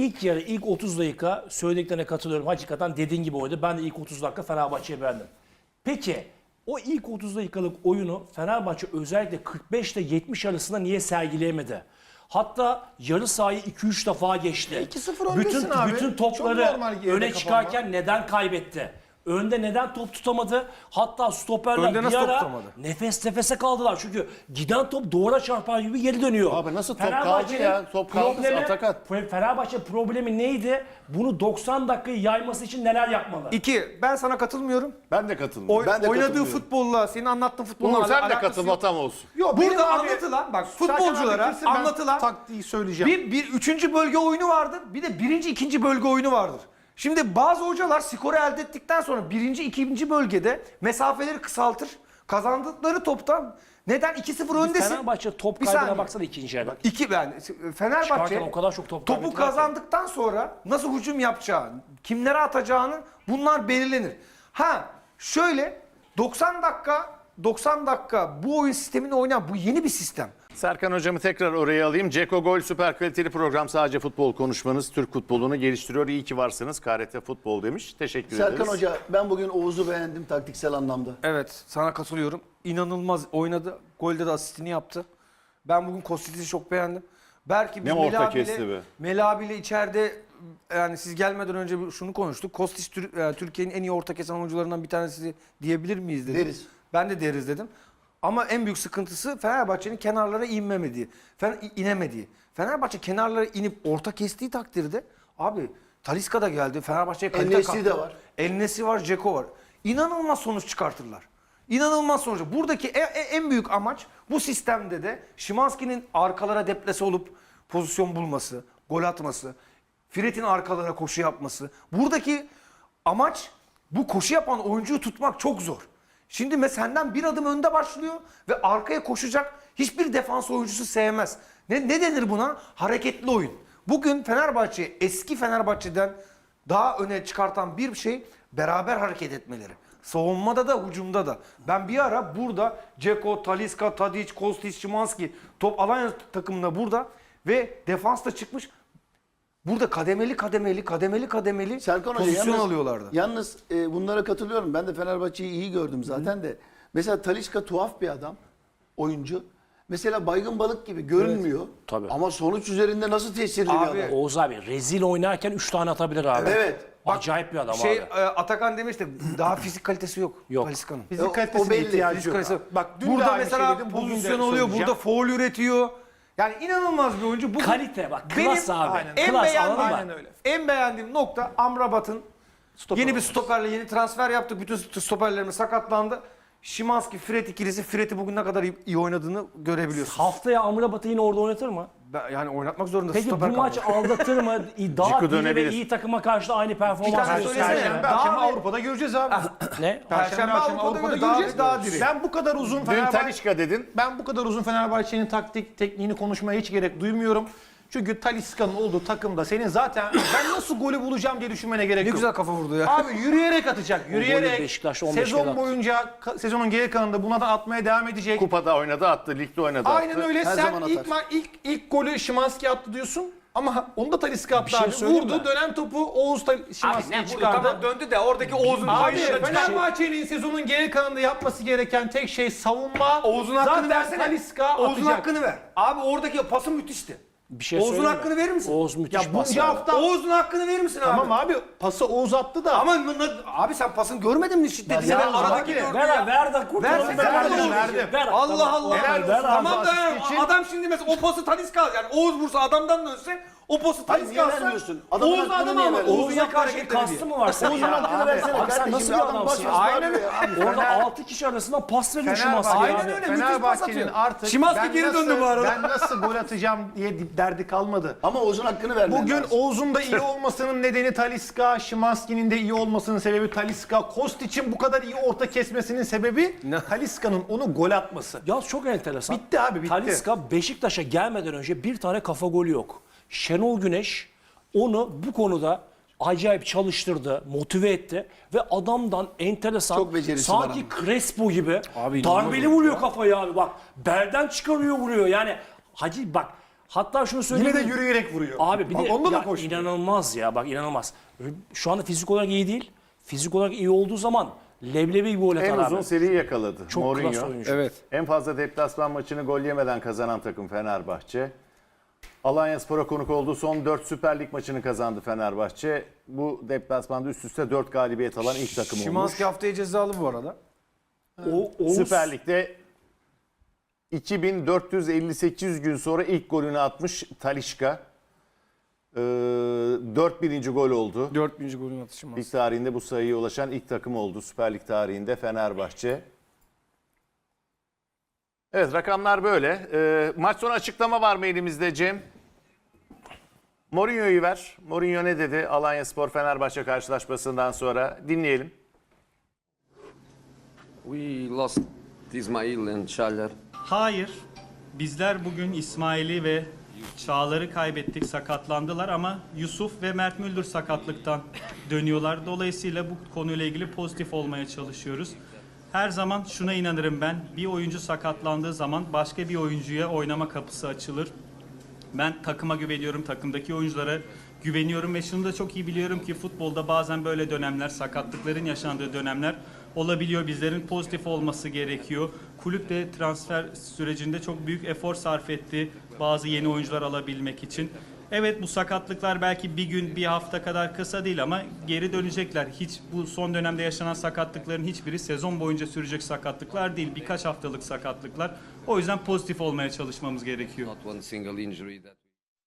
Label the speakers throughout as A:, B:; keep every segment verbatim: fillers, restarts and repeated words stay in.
A: ilk yarı, ilk otuz dakika söylediklerine katılıyorum. Hakikaten dediğin gibi oydu. Ben de ilk otuz dakika Fenerbahçe'yi beğendim. Peki o ilk otuz dakikalık oyunu Fenerbahçe özellikle kırk beş ile yetmiş arasında niye sergileyemedi? Hatta yarı sahayı iki üç defa geçti.
B: iki sıfır öndesin
A: bütün,
B: abi.
A: bütün
B: Çok
A: topları
B: normal geride
A: öne
B: kapanma.
A: çıkarken neden kaybetti? Önde neden top tutamadı? Hatta stoperler
C: Önde
A: bir
C: nasıl top
A: ara
C: tutamadı?
A: nefes nefese kaldılar. Çünkü giden top duvara çarpar gibi geri dönüyor.
D: Abi nasıl top kaldı
A: Fenerbahçe'nin
D: ya? Top kaldı,
A: problemi-
D: Atakan.
A: Fenerbahçe problemi neydi? Bunu doksan dakikayı yayması için neler yapmalı?
C: İki, ben sana katılmıyorum.
D: Ben de katılmıyorum.
C: Oy,
D: ben de
C: oynadığı
D: katılmıyorum.
C: futbolla, senin anlattığın futbolla
D: Uğur, sen de
C: alakası
D: katıl,
C: yok.
D: hatam olsun.
B: Yok, benim
C: Burada
B: abi-
C: anlatılan, bak
B: Serkan abi
C: futbolculara
B: bitirsin, ben
C: anlatılan
B: taktiği söyleyeceğim.
C: bir, bir üçüncü bölge oyunu vardır, bir de birinci, ikinci bölge oyunu vardır. Şimdi bazı hocalar skoru elde ettikten sonra birinci, ikinci bölgede mesafeleri kısaltır. Kazandıkları toptan neden iki sıfır öndesin?
A: Fenerbahçe top
C: Bir
A: kaybına
C: saniye.
A: baksana ikinci yarı.
C: İki yani Fenerbahçe
A: Çıkarken o kadar çok top
C: topu
A: kaybettiler ki.
C: kazandıktan sonra nasıl hücum yapacağı, kimlere atacağını bunlar belirlenir. Ha şöyle doksan dakika doksan dakika bu oyun sistemini oynayan bu yeni bir sistem.
D: Serkan hocamı tekrar oraya alayım. Ceko Gol süper kaliteli program, sadece futbol konuşmanız Türk futbolunu geliştiriyor. İyi ki varsınız. K R T Futbol demiş. Teşekkür ederiz.
E: Serkan Hoca, ben bugün Oğuz'u beğendim taktiksel anlamda.
C: Evet, sana katılıyorum. İnanılmaz oynadı. Golde de asistini yaptı. Ben bugün Kostic'i çok beğendim. Belki biz
D: Ne orta
C: Mela abiyle-
D: kesti be.
C: Mela abiyle içeride, yani siz gelmeden önce bir- şunu konuştuk. Kostić Tür- e, Türkiye'nin en iyi orta kesen oyuncularından bir tanesi diyebilir miyiz dedim.
E: Deriz.
C: Ben de deriz dedim. Ama en büyük sıkıntısı Fenerbahçe'nin kenarlara inmemediği, Fener, inemediği. Fenerbahçe kenarlara inip orta kestiği takdirde abi Talisca da geldi. Fenerbahçe'ye kalite
E: En-Nesyri
C: kattı.
E: de var.
C: En-Nesyri var, Dzeko var. İnanılmaz sonuç çıkartırlar. İnanılmaz sonuç. Buradaki e- e- en büyük amaç bu sistemde de Szymański'nin arkalara deplese olup pozisyon bulması, gol atması, Fred'in arkalara koşu yapması. Buradaki amaç bu koşu yapan oyuncuyu tutmak çok zor. Şimdi mesela senden bir adım önde başlıyor ve arkaya koşacak hiçbir defans oyuncusu sevmez. Ne, ne denir buna? Hareketli oyun. Bugün Fenerbahçe eski Fenerbahçe'den daha öne çıkartan bir şey beraber hareket etmeleri. Savunmada da hücumda da. Ben bir ara burada Dzeko, Talisca, Tadic, Kostić, Szymański top Alanya takımında burada ve defans da çıkmış. Burada kademeli kademeli kademeli kademeli
E: Serkan Hoca
C: pozisyon
E: yalnız,
C: alıyorlardı.
E: yalnız e, bunlara katılıyorum. Ben de Fenerbahçe'yi iyi gördüm zaten de. Mesela Talisca tuhaf bir adam, oyuncu. Mesela baygın balık gibi görünmüyor.
A: Tabii.
E: Ama sonuç üzerinde nasıl tesirli
C: Abi,
E: bir adam.
A: Oğuz abi rezil oynarken üç tane atabilir abi.
E: Evet.
A: Acayip bir adam
C: Şey
A: abi.
C: e, Atakan demişti daha fizik kalitesi yok.
A: Yok.
C: Talisca'nın.
E: O-
B: Fizik
E: o
B: kalitesine
E: belli.
B: ihtiyacı
C: Fizik
B: yok.
C: kalitesi.
B: Bak dün de
C: burada
B: aynı
C: mesela
B: şey dedim, bugün de
C: pozisyon oluyor,
B: söyleyeceğim.
C: burada foul üretiyor. Yani inanılmaz bir oyuncu. Bugün
A: Kalite bak,
C: benim
A: klas abi.
B: aynen.
C: En
A: Klas,
C: beğendiğim,
A: anladın mı?
B: Aynen öyle.
C: en beğendiğim nokta Amrabat'ın
B: Stoper
C: yeni bir
B: olması.
C: stoperle yeni transfer yaptık. Bütün stoperlerimiz sakatlandı. Szymański, Fred ikilisi. Fred'i bugün ne kadar iyi, iyi oynadığını görebiliyorsunuz.
A: Haftaya Amrabat'ı yine orada oynatır mı?
C: Ben- yani oynatmak zorunda.
A: Peki bu
C: stoper
A: maç
C: kaldı.
A: aldatır mı? Daha
D: Ciku
A: diri ve
D: dönebilir.
A: iyi takıma karşı da aynı performans
C: tane
A: gösterir
C: söylesene
A: mi?
C: ya.
B: Perşembe akşamı
C: Daha-
B: Avrupa'da göreceğiz abi.
A: Ne?
B: Perşembe akşamı
C: Avrupa'da
B: Avrupa'da
C: göreceğiz.
B: göreceğiz.
C: Daha- daha diri.
B: Ben bu kadar uzun
D: Dün
B: Fenerbahçe...
D: Talisca dedin.
B: Ben bu kadar uzun Fenerbahçe'nin taktik tekniğini konuşmaya hiç gerek duymuyorum. Çünkü Talisca'nın olduğu takımda senin zaten ben nasıl golü bulacağım diye düşünmene gerek
C: Ne
B: yok.
C: güzel kafa vurdu ya.
B: Abi yürüyerek atacak.
A: golü
B: Yürüyerek
A: Beşiktaş'ta on beş kere
B: sezon
A: attı.
B: boyunca ka- sezonun geri kalanında bunlardan atmaya devam edecek.
D: Kupada oynadı attı, ligde oynadı
B: Aynen
D: attı.
B: öyle.
E: Her
B: Sen
E: zaman
B: ilk,
E: atar.
B: ma- ilk ilk golü Szymański attı diyorsun. Ama onu da Talisca attı
A: Bir şey
B: abi.
A: söyleyeyim
B: Vurdu
A: mi?
B: dönen topu Oğuz
C: Abi ne
B: Szymański
C: bu
B: çıkardı.
C: tamam döndü de oradaki Oğuz'un
B: Abi
C: kayışına çıkan-
B: Fenerbahçe'nin sezonun geri kalanında yapması gereken tek şey savunma.
C: Oğuz'un hakkını
B: Zaten
C: versene.
B: Talisca
C: Oğuz'un
B: atacak.
C: hakkını ver. Abi oradaki pası müthişti.
A: Bir şey
C: Oğuz'un
A: söyleyeyim mi?
C: hakkını verir misin?
A: Oğuz müthiş
B: Ya
A: pas
B: bunca
A: verdi.
B: hafta
C: Oğuz'un hakkını verir misin abi?
B: tamam abi pası Oğuz attı da.
C: Ama n- n- abi sen pasın görmedin mi şiddeti?
A: Ya
C: Sen
A: o
C: aradaki
A: zaman-
C: gördün
A: ver,
C: ya.
A: ver de kurtulalım.
C: Versin,
A: Ver,
C: verdim,
A: ver,
B: verdim.
A: ver.
C: Allah
A: Tamam,
C: Allah.
A: ver,
B: Helal
A: ver
B: olsun.
A: abi.
C: Tamam da
B: asist için-
C: adam şimdi mesela o pası Talisca yani Oğuz vursa adamdan dönse o pası
E: Hayır,
C: Talisca
E: niye
C: alsa
E: vermiyorsun? Adamın
C: Oğuz
E: hakkını
C: adam
E: niye
C: ama
E: vermiyorsun?
C: Oğuz'un
A: Oğuz'a
C: yaptığı
A: karşı
C: hareketleri
A: kastı
C: değil.
A: mı var senin?
E: Oğuz'un
A: ya?
E: hakkını
A: Abi,
E: versene
A: abi sen
E: kardeşim.
A: nasıl
E: Bir
A: bir
E: adam
A: adamsın?
E: başlasın.
C: Aynen
E: Aynen
C: öyle.
A: Orada
B: Fener-
A: altı kişi arasında pas veriyor
B: Fenerbahçe-
A: Szymański
C: Aynen
A: abi.
C: öyle. müthiş pas
B: Fenerbahçe'nin
C: atıyor.
B: artık
C: Szymański
B: ben
C: geri
B: nasıl-
C: döndü bu arada.
B: Ben nasıl gol atacağım diye derdi kalmadı.
E: Ama Oğuz'un hakkını vermen
B: Bugün
E: lazım.
B: Oğuz'un da iyi olmasının nedeni Talisca, Szymański'nin de iyi olmasının sebebi Talisca, Kostic'in bu kadar iyi orta kesmesinin sebebi Talisca'nın onu gol atması.
A: Ya çok enteresan.
B: Bitti abi, bitti.
A: Talisca Beşiktaş'a gelmeden önce bir tane kafa golü yok. Şenol Güneş onu bu konuda acayip çalıştırdı, motive etti ve adamdan enteresan
E: Çok becerisi var
A: sanki
E: ama.
A: Crespo gibi
C: Abi inanılmaz
A: darbeli vuruyor kafayı abi bak. Belden çıkarıyor vuruyor yani. Hacı bak Hatta şunu söyleyeyim.
B: Yine de
A: mi?
B: yürüyerek vuruyor.
A: Abi bir
B: Bak,
A: de
B: onda da
A: ya
B: koşuyor.
A: inanılmaz ya bak inanılmaz. Şu anda fizik olarak iyi değil. Fizik olarak iyi olduğu zaman leblebi gibi gol atar
D: En
A: abi.
D: uzun seriyi yakaladı.
A: Çok klas
D: Mourinho.
A: oyuncu.
C: Evet.
D: En fazla deplasman maçını gol yemeden kazanan takım Fenerbahçe. Alanyaspor'a konuk olduğu son dört Süper Lig maçını kazandı Fenerbahçe. Bu deplasmanda üst üste dört galibiyet alan ilk takım olmuş.
C: Şimanski haftaya cezalı bu arada.
A: O, Oğuz,
D: Süper Lig'de iki bin dört yüz elli sekiz gün sonra ilk golünü atmış Talisca. Ee, dört bininci gol oldu.
C: dört bininci golün atışı Şimanski.
D: Lig tarihinde bu sayıya ulaşan ilk takım oldu. Süper Lig tarihinde Fenerbahçe. Evet, rakamlar böyle. Ee, maç sonu açıklama var mı elimizde Cem? Mourinho'yu ver. Mourinho ne dedi Alanyaspor Fenerbahçe karşılaşmasından sonra? Dinleyelim.
F: We lost Ismail and Çağlar.
G: Hayır. Bizler bugün İsmail'i ve Çağlar'ı kaybettik, sakatlandılar ama Yusuf ve Mert Müldür sakatlıktan dönüyorlar. Dolayısıyla bu konuyla ilgili pozitif olmaya çalışıyoruz. Her zaman şuna inanırım ben, bir oyuncu sakatlandığı zaman başka bir oyuncuya oynama kapısı açılır. Ben takıma güveniyorum, takımdaki oyunculara güveniyorum ve şunu da çok iyi biliyorum ki futbolda bazen böyle dönemler, sakatlıkların yaşandığı dönemler olabiliyor. Bizlerin pozitif olması gerekiyor. Kulüp de transfer sürecinde çok büyük efor sarf etti bazı yeni oyuncular alabilmek için. Evet, bu sakatlıklar belki bir gün, bir hafta kadar kısa değil ama geri dönecekler. Hiç bu son dönemde yaşanan sakatlıkların hiçbiri sezon boyunca sürecek sakatlıklar değil. Birkaç haftalık sakatlıklar. O yüzden pozitif olmaya çalışmamız gerekiyor.
F: Not one single injury that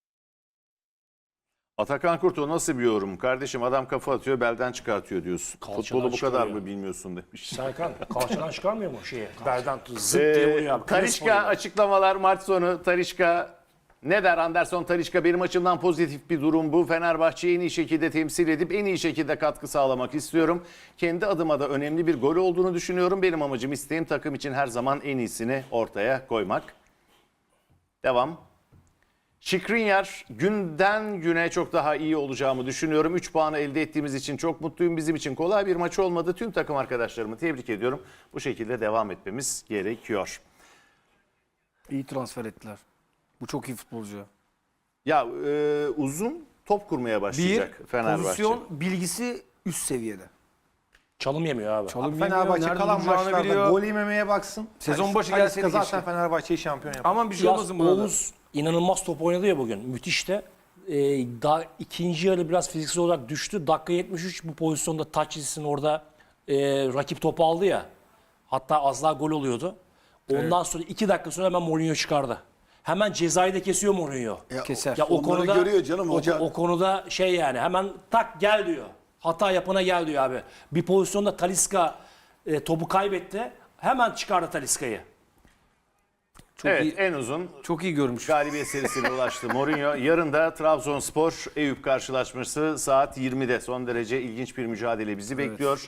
D: Atakan Kurtoğlu nasıl bir yorum? Kardeşim adam kafa atıyor, belden çıkartıyor diyorsun.
A: Kalçadan
D: Futbolu bu kadar
A: çıkarıyor.
D: mı bilmiyorsun demiş.
A: Serkan kalçadan çıkarmıyor mu şeyi? Berdan zıp diye vuruyor
D: Ee,
A: abi.
D: Talisca
A: Crespo gibi.
D: açıklamalar maç sonu. Talisca ne der Anderson Talisca? Benim açımdan pozitif bir durum bu. Fenerbahçe'yi en iyi şekilde temsil edip en iyi şekilde katkı sağlamak istiyorum. Kendi adıma da önemli bir gol olduğunu düşünüyorum. Benim amacım, isteğim takım için her zaman en iyisini ortaya koymak. Devam. Şikrinyar, günden güne çok daha iyi olacağımı düşünüyorum. üç puanı elde ettiğimiz için çok mutluyum. Bizim için kolay bir maç olmadı. Tüm takım arkadaşlarımı tebrik ediyorum. Bu şekilde devam etmemiz gerekiyor.
C: İyi transfer ettiler. Bu çok iyi futbolcu.
D: Ya e, uzun top kurmaya
C: Bir,
D: başlayacak Fenerbahçe.
C: pozisyon bilgisi üst seviyede.
A: Çalım yemiyor abi.
C: Çalım yemiyor,
B: Fenerbahçe
C: nerede
B: kalan
C: duracağını
B: maçlarda
C: biliyor.
B: gol yememeye baksın.
C: Sezon
B: Talis-
C: başı
B: Talisca
C: gelseydi
B: zaten
C: keşke.
B: Fenerbahçe'yi şampiyon yapar.
C: Aman bir şey
A: Biraz
C: olmasın burada.
A: Oğuz inanılmaz top oynadı ya bugün. Müthiş de. Ee, daha ikinci yarı biraz fiziksel olarak düştü. Dakika yetmiş üç bu pozisyonda taç çizgisinin orada e, rakip topu aldı ya. Hatta az daha gol oluyordu. Ondan sonra iki dakika sonra hemen Mourinho çıkardı. Hemen cezayı da kesiyor Mourinho.
C: Keser.
A: Ya o
E: Onları
A: konuda
E: görüyor canım
A: o-
E: hoca.
A: O, konuda şey yani hemen tak gel diyor. Hata yapana gel diyor abi. Bir pozisyonda Talisca e, topu kaybetti. Hemen çıkardı Talisca'yı.
C: Çok
D: Evet,
C: iyi,
D: en uzun
C: çok iyi görmüş.
D: galibiyet serisine ulaştı Mourinho. Yarın da Trabzonspor Eyüp karşılaşması saat yirmide. Son derece ilginç bir mücadele bizi bekliyor.